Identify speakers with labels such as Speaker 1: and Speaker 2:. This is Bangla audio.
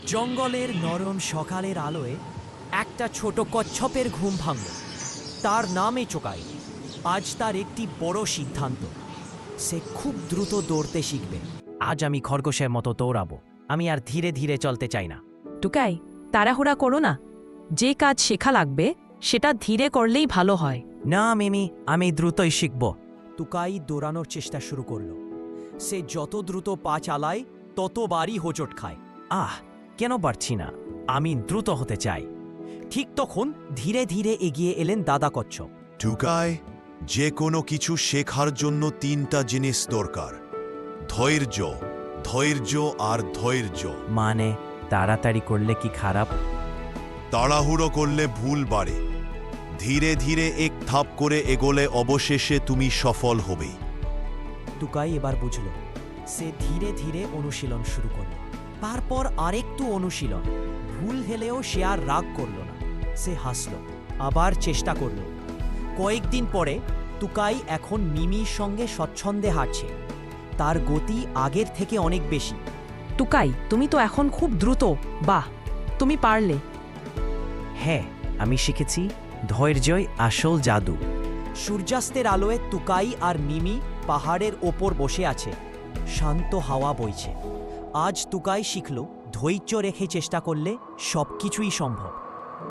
Speaker 1: জঙ্গলের নরম সকালের আলোয় একটা ছোট কচ্ছপের ঘুম ভাঙল। তার নামই চোকাই। আজ তার একটি বড় সিদ্ধান্ত। সে খুব দ্রুত দৌড়তে শিখবে। আজ আমি খরগোশের মতো দৌড়াবো। আমি আর ধীরে ধীরে চলতে চাই না।
Speaker 2: টুকাই, তাড়াহুড়া করো না। যে কাজ শেখা লাগবে সেটা ধীরে করলেই ভালো হয়।
Speaker 1: না মিমি, আমি দ্রুতই শিখব। টুকাই দৌড়ানোর চেষ্টা শুরু করলো। সে যত দ্রুত পা চালায় ততবারই হোঁচট খায়। কেন পারছি না? আমি দ্রুত হতে চাই। ঠিক তখন ধীরে ধীরে এগিয়ে এলেন দাদা কচ্ছপ।
Speaker 3: টুকাই, যে কোনো কিছু শেখার জন্য তিনটা জিনিস দরকার: ধৈর্য, ধৈর্য আর ধৈর্য।
Speaker 1: মানে তাড়াতাড়ি করলে কি খারাপ?
Speaker 3: তাড়াহুড়ো করলে ভুল বাড়ে। ধীরে ধীরে এক ধাপ করে এগোলে অবশেষে তুমি সফল হবে।
Speaker 1: টুকাই এবার বুঝল। সে ধীরে ধীরে অনুশীলন শুরু করল। তারপর আরেকটু অনুশীলন। ভুল হলেও সে আর রাগ করল না। সে হাসল, আবার চেষ্টা করল। কয়েকদিন পরে টুকাই এখন মিমির সঙ্গে স্বচ্ছন্দে হাঁটছে। তার গতি আগের থেকে অনেক বেশি।
Speaker 2: টুকাই, তুমি তো এখন খুব দ্রুত। বাহ, তুমি পারলে।
Speaker 1: হ্যাঁ, আমি শিখেছি ধৈর্যই আসল জাদু। সূর্যাস্তের আলোয় টুকাই আর মিমি পাহাড়ের ওপর বসে আছে। শান্ত হাওয়া বইছে। আজ টুকাই শিখল ধৈর্য রেখে চেষ্টা করলে সবকিছুই সম্ভব।